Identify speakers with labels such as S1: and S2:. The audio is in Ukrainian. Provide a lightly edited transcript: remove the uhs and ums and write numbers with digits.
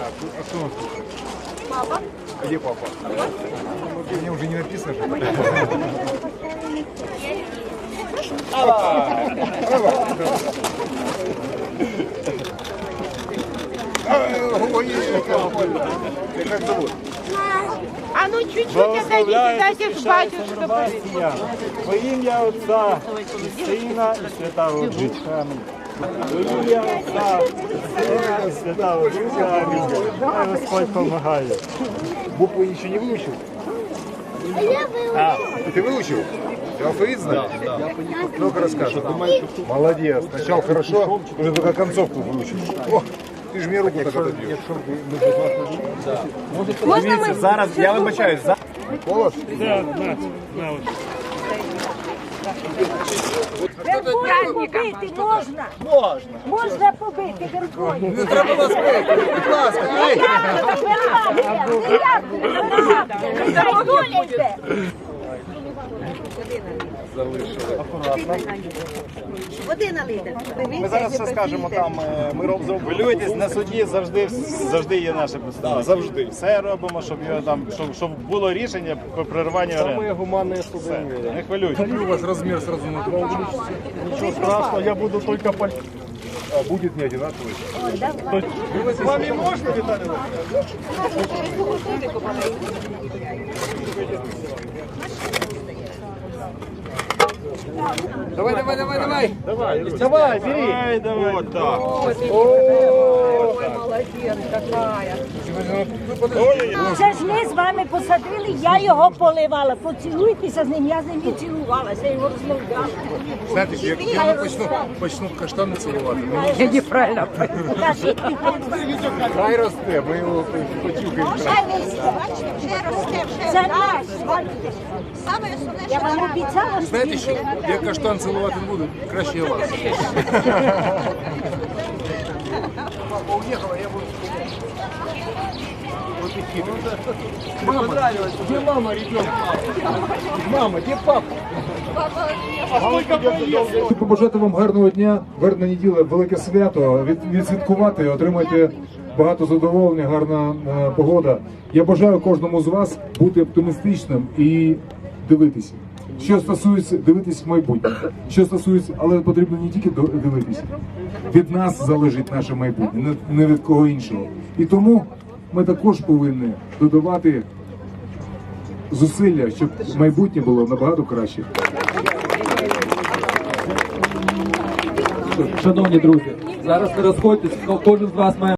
S1: А кто он слушает? Папа. А где папа? Мне уже не написано же. Ой, как зовут?
S2: А ну чуть-чуть отойдите, дайте ж батюшка.
S3: Во ім'я Отця, і Сина, і Святого Духа. Во ім'я Отця, і Сина, і Святого Духа. Амінь. Хай Господь помагає.
S1: Буквы еще не выучил? Ты выучил? Ты алфавит знаешь? Да. Ну-ка расскажи. Молодец. Сначала хорошо, уже только концовку выучил. О, ты же мне руку так отобьешь. Дивіться, зараз, я вибачаюсь, за... Голос?
S3: Да, на ось.
S2: Верхою побити можна? Можна. Можна побити верхою.
S1: Не треба вас бити, будь ласка.
S2: Води налити.
S4: Ми зараз все скажемо там, ми робимо. Хвилюйтесь, на суді завжди є наше представництво.
S1: Завжди.
S4: Все робимо, щоб його там, щоб було рішення по прерванню оренди.
S3: гуманне
S4: Все, не хвилюйтесь.
S1: У вас размер сразу на 2 увеличится.
S3: Нічого страшного, я буду тільки по...
S1: А будет не одинаковый.
S4: З вами можна, Віталій?
S1: Давай, давай.
S4: Давай, бери. Давай. Вот так.
S2: Це ж ми з вами посадили, я його поливала. Поцілуйтеся з ним, я з ним і цілувалася, я його розмовляла.
S1: Знаете, я почну каштаны целовать.
S2: Я неправильно.
S1: Хай росте, ми його почухаємо.
S2: Це наш. Я вам обіцяла, що
S1: Знаєте що, я каштан цілувати не буду, краще я вас. Папа уехала, я буду... Вот и хитрый. Мама, где мама ребенка? Мама, где папа? Хочу побажати вам гарного дня, вербна неділя, велике свято, відсвяткувати, отримайте багато задоволення, гарна погода. Я бажаю кожному з вас бути оптимістичним і дивитися. Що стосується дивитись в майбутнє, що стосується, але потрібно не тільки дивитися. Від нас залежить наше майбутнє, не від кого іншого. І тому ми також повинні додавати зусилля, щоб майбутнє було набагато краще.
S5: Шановні друзі, зараз не розходьтесь, кожен з вас має